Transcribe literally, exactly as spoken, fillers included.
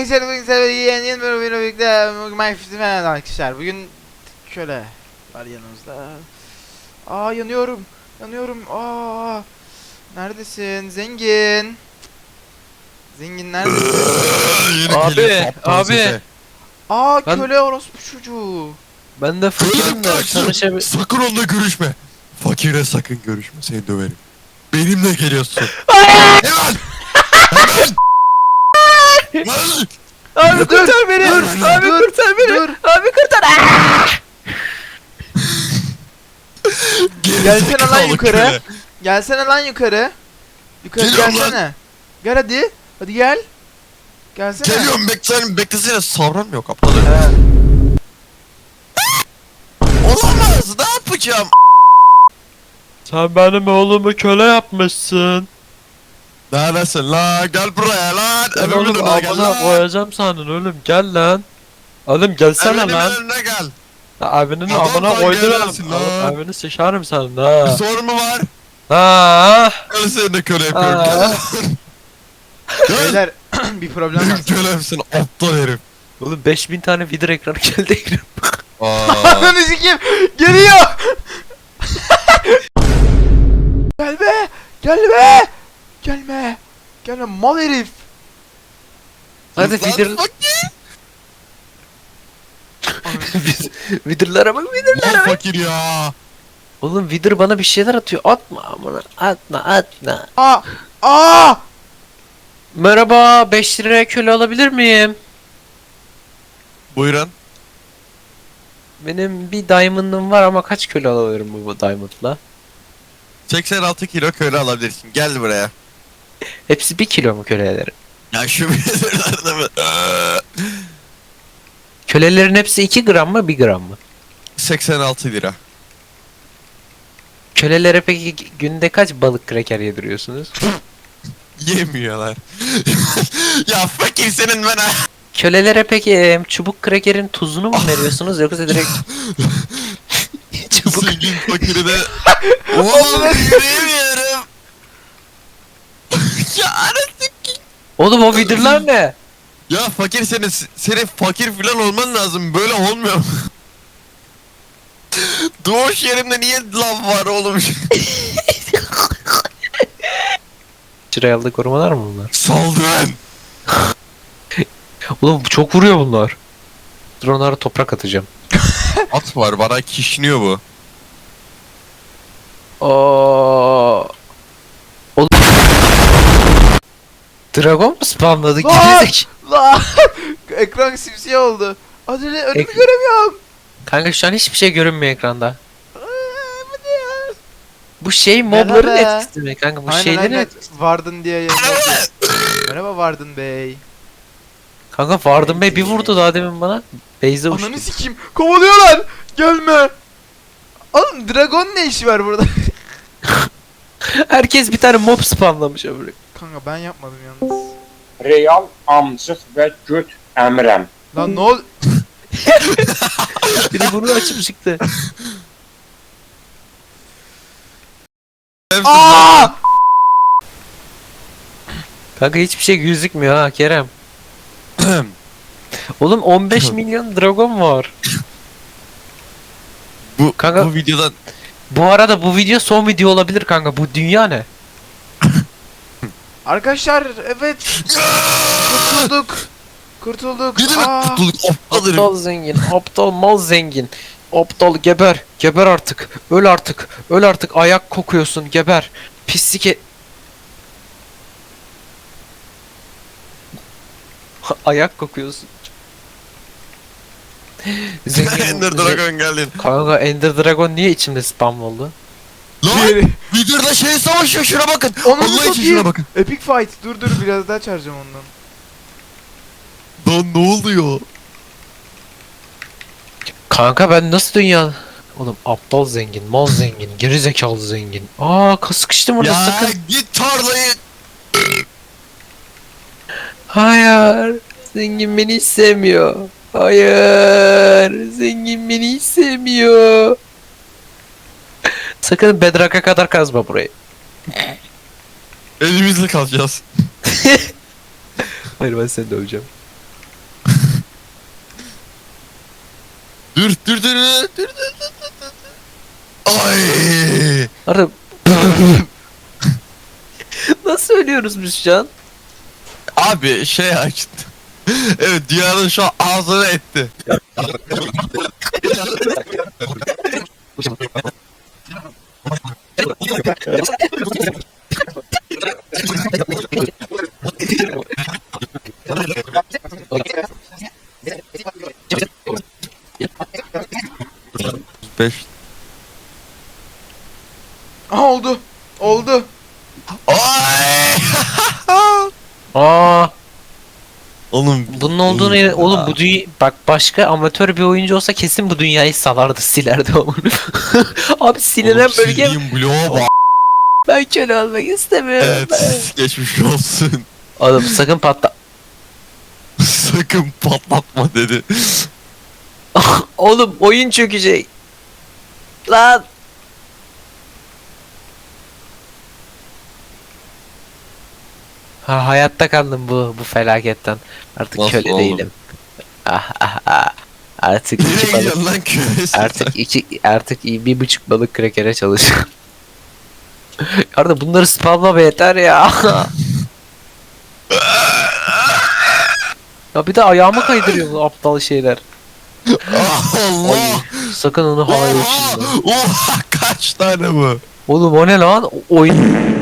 Arkadaşlar bugün size yeni yeni bir oyunla birlikte Minecraft'ı falan arkadaşlar. Bugün şöyle var yanımızda. Aa yanıyorum. Yanıyorum. Aa. Neredesin? Zengin. Zengin neredesin? Abi, abi. Aa Ben- köle orospu çocuğu. Ben de fakirim de tanışabil... Sakın onunla görüşme. Fakire sakın görüşme, seni döverim. Benimle geliyorsun. Hemen! Hemen! Hemen! Abi kurtar beni. dur, Abi dur, kurtar beni. dur. Abi kurtar. Gelsene lan Gerizekalı yukarı. köle. Gelsene lan yukarı. Yukarı Geliyorum gelsene. Gel hadi. Hadi gel. Gelsene. Geliyorum, beklesene, beklesene, savran yok aptal. He. Olamaz, ne yapacağım? Sen benim oğlumu köle yapmışsın. Neredesin lan? Gel buraya lan. Ben Evimin oğlum önüne gel amına lan. koyacağım sandın oğlum, gel lan. Oğlum gelsene Evimin lan. önüne gel. Abinin Adam amına sen koydum. gelemezsin lan. Abini sıçarım senin Bir ha. sorun mu var? Ha. Gel, seni de köle yapıyorum. Aa. Gel. Beyler bir problem var. Benim kölemsin aptal herif. Oğlum beş bin tane video ekranı geldi ekran. Aa. Ananı sikeyim. Geliyor. Gel be. Gel be. Gelme. Gelme mal herif. Hadi Lan video... fakir. Videolara bak videolara Lan bak. fakir ya. Oğlum video bana bir şeyler atıyor. Atma amına. Atma atma. Aa. Aa. Merhaba, beş liraya köle alabilir miyim? Buyurun. Benim bir diamond'ım var ama kaç köle alabilirim bu, bu diamond'la? seksen altı kilo köle alabilirsin. Gel buraya. Hepsi bir kilo mu köleleri? Ya şu bilirlerde mi? Kölelerin hepsi iki gram mı bir gram mı? seksen altı lira. Kölelere peki günde kaç balık kraker yediriyorsunuz? Yemiyorlar. Ya fakir senin ben ha. Kölelere peki e, çubuk krakerin tuzunu mu veriyorsunuz yoksa direkt çubuk... Zengin fakiri de. Oğlum yürüyemiyorum. Ya anasını. Oğlum o videolar ne? Ya fakir senin, senin fakir filan olman lazım. Böyle olmuyor. Doğuş yerimde niye lav var oğlum? Şuraya aldığı korumalar mı bunlar? Saldırın. Oğlum çok vuruyor bunlar. Dur onlara toprak atacağım. At var, bana kişniyor bu. Aa. Oğlum. Dragon mu spamladı? Lan! Gerizek. La. Ekran simsiyah oldu. Hadi önümü Ek- göremiyorum. Kanka şu an hiçbir şey görünmüyor ekranda. Aa, bu ne ya? Bu şey mobların Merhaba. etkisi mi kanka? Bu Aynen, şeylerin aynen. etkisi. Vardın diye yazıyor. Merhaba Vardın Bey. Kanka Vardın Bey bir vurdu daha demin bana. Beyze uçtu. Ananı sikeyim. Kovalıyorlar. Gelme. Oğlum dragon ne işi var burada? Herkes bir tane mob spamlamış öbürü. Kanka ben yapmadım yalnız. Real amcıq və göt əmirəm. Lan ne ol? Biri bunu açıp çıktı. Aa! Kanka hiçbir şey gözükmüyor ha Kerem. Oğlum on beş milyon dragon var. bu, Kanka- bu videodan Bu arada bu video son video olabilir kanka. Bu dünya ne? Arkadaşlar evet kurtulduk. Kurtulduk. ne demek Aa! kurtulduk aptal herif. Aptal zengin, aptal mal zengin. Aptal geber, geber artık. Öl artık, öl artık. Ayak kokuyorsun, geber. Pislik e... Ayak kokuyorsun. Zengin, Ender ze- Dragon geldin. Kanka Ender Dragon niye içimde spam oldu? Lan Diğeri. videoda şey savaşıyor, şuna bakın. Onu Allah için satayım. şuna bakın. Epic fight. Dur dur biraz daha çağıracağım ondan. Lan ne oluyor? Kanka ben nasıl dünya... Oğlum aptal zengin, mal zengin, geri zekalı zengin. Aa sıkıştım orada Ya sakın. git tarlayı. Hayır. Zengin beni hiç sevmiyor. Hayır. Zengin beni hiç sevmiyor. Sakın Bedrock'a kadar kazma burayı. Elimizle kalacağız. Hayır ben seni döveceğim. Dur dur dur dur dur dur dur dur. Ay. Arda nasıl ölüyoruz biz şu an? Abi şey açtı. Evet dünyanın şu an ağzını etti. Beş. Aha oldu. Oldu. Ay. Aa, Oğlum bunun olduğunu yere- oğlum bu dünya bak başka amatör bir oyuncu olsa kesin bu dünyayı salardı, silerdi onu. Abi silinen Oğlum, bölge sildiğim bloğa bak. ben köle olmak istemiyorum. Evet geçmiş olsun. Oğlum sakın patla. Sakın patlatma dedi. Oğlum oyun çökecek. Lan. Ha, hayatta kaldım bu bu felaketten. Artık Nasıl köle oğlum? değilim. Ah ah ah. Artık Nereye iki balık. gidiyorsun lan küresi? Artık iki artık iyi bir buçuk balık krekere çalışıyorum. Arda bunları spamla be yeter ya. Ya bir de ayağımı kaydırıyor bu aptal şeyler. Allah. Ay, sakın onu havaya Oha! uçurma. Oha kaç tane bu? Oğlum o ne lan? O- oyun